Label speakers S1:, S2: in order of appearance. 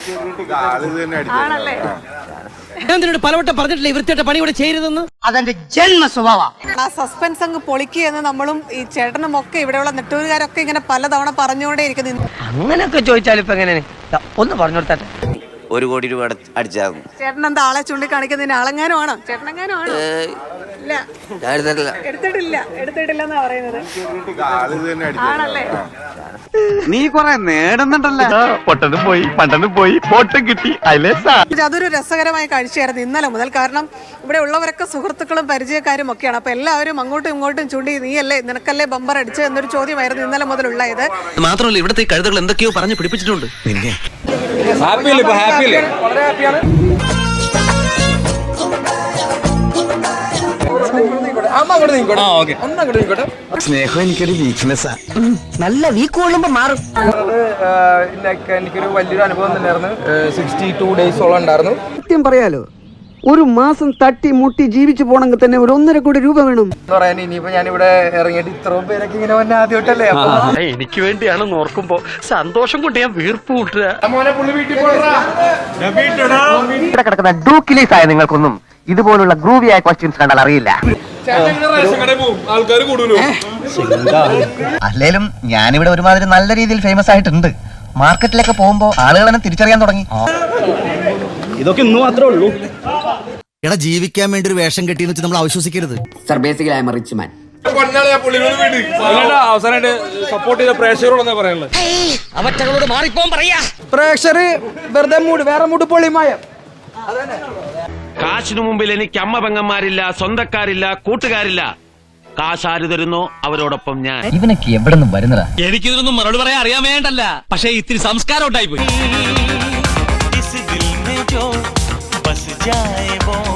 S1: ആണല്ലേ?
S2: പലവട്ടം പറഞ്ഞിട്ടില്ല വൃത്തിയായിട്ട് പണി ഇവിടെ ചെയ്യരുതെന്ന്.
S3: അതെന്റെ ജന്മ സ്വഭാവ.
S1: ആ സസ്പെൻസ് അങ്ങ് പൊളിക്കുക എന്ന് നമ്മളും ഈ ചേട്ടനും ഒക്കെ ഇവിടെയുള്ള നെട്ടൂരുകാരൊക്കെ ഇങ്ങനെ പലതവണ പറഞ്ഞുകൊണ്ടേ ഇരിക്കുന്നു.
S3: അങ്ങനെയൊക്കെ ചോദിച്ചാൽ ഇപ്പൊ എങ്ങനെ ഒന്ന് പറഞ്ഞു കൊടുത്താട്ടെ.
S4: 1 കോടി രൂപ അടിച്ചാകും.
S1: ചേട്ടൻ എന്താ ആളെ ചൂണ്ടിക്കാണിക്കുന്നതിന് ആളെങ്ങാനും ആണോ? ചേട്ടനെങ്ങാനും ആണോ? ഇല്ല, എടുത്തിട്ടില്ലെന്നാ പറയുന്നത്. ആണല്ലേ?
S5: നീ കൊറേ നേടുന്നുണ്ടല്ലോ.
S1: അതൊരു രസകരമായ കാഴ്ചയായിരുന്നു ഇന്നലെ മുതൽ. കാരണം ഇവിടെ ഉള്ളവരൊക്കെ സുഹൃത്തുക്കളും പരിചയക്കാരും ഒക്കെയാണ്. അപ്പൊ എല്ലാവരും അങ്ങോട്ടും ഇങ്ങോട്ടും ചൂണ്ടി നീയല്ലേ നിനക്കല്ലേ ബമ്പർ അടിച്ച് എന്നൊരു ചോദ്യമായിരുന്നു ഇന്നലെ മുതലുള്ള ഇത്.
S2: മാത്രമല്ല ഇവിടുത്തെ കഴുതകൾ എന്തൊക്കെയോ പറഞ്ഞു പിടിപ്പിച്ചിട്ടുണ്ട്.
S5: സ്നേഹം എനിക്കൊരു വീക്ക്നെസ്സാ.
S3: നല്ല വീക്ക് കൊള്ളുമ്പോ മാറും.
S6: എനിക്കൊരു വലിയൊരു അനുഭവം തന്നെയായിരുന്നു. 62 ഡേയ്സോളം ഉണ്ടായിരുന്നു.
S7: സത്യം പറയാലോ, ഒരു മാസം തട്ടി മുട്ടി ജീവിച്ചു പോണെങ്കിൽ തന്നെ ഒരു 1.5 കോടി രൂപ വേണം
S6: എന്ന് പറയാൻ. ഇനിയിപ്പോ ഞാനിവിടെ ഇറങ്ങിയിട്ട് ഇത്രയും പേരൊക്കെ ഇങ്ങനെ വന്നെ ആദ്യമായിട്ടല്ലേ.
S2: എനിക്ക് വേണ്ടിയാണെന്ന് ഓർക്കുമ്പോ സന്തോഷം കൊണ്ട് ഞാൻ വീർപ്പ് കൂട്ടുക.
S3: ഇവിടെ കിടക്കുന്ന ഡൂക്കിലീസ് ആയ നിങ്ങൾക്കൊന്നും ഇതുപോലുള്ള ഗ്രൂവിയായ ക്വസ്റ്റ്യൻസ് കണ്ടാൽ അറിയില്ല.
S8: അല്ലേലും ഞാനിവിടെ ഒരുമാതിരി നല്ല രീതിയിൽ ഫേമസ് ആയിട്ടുണ്ട്. മാർക്കറ്റിലൊക്കെ പോകുമ്പോ ആളുകൾ എന്നെ തിരിച്ചറിയാൻ തുടങ്ങി.
S5: ഇതൊക്കെ ഇന്ന് മാത്രമേ ഉള്ളൂ.
S2: എടാ, ജീവിക്കാൻ വേണ്ടി ഒരു വേഷം കെട്ടിയെന്ന് വെച്ച് നമ്മൾ അവിശ്വസിക്കരുത്.
S7: Sir, basically I am a rich man.
S6: അവസാനമായിട്ട് സപ്പോർട്ട് ചെയ്ത പ്രേക്ഷകരോട് പറയാനുള്ളത്,
S2: അവറ്റകളോട് മാറിപ്പോൻ പറയാ.
S6: പ്രേക്ഷകർ വെറുതെ വേറെ മൂട് പൊളിമായ
S9: കാശിനു മുമ്പിൽ എനിക്ക് അമ്മ പെങ്ങന്മാരില്ല, സ്വന്തക്കാരില്ല, കൂട്ടുകാരില്ല. കാശ് ആര് തരുന്നോ അവരോടൊപ്പം ഞാൻ.
S8: ഇവനൊക്കെ എവിടെ നിന്ന് വരുന്നതാ?
S2: എനിക്കിതൊന്നും മറുപടി പറയാൻ അറിയാൻ വേണ്ടല്ല, പക്ഷെ ഇത്തിരി സംസ്കാരം ഉണ്ടായി പോയി.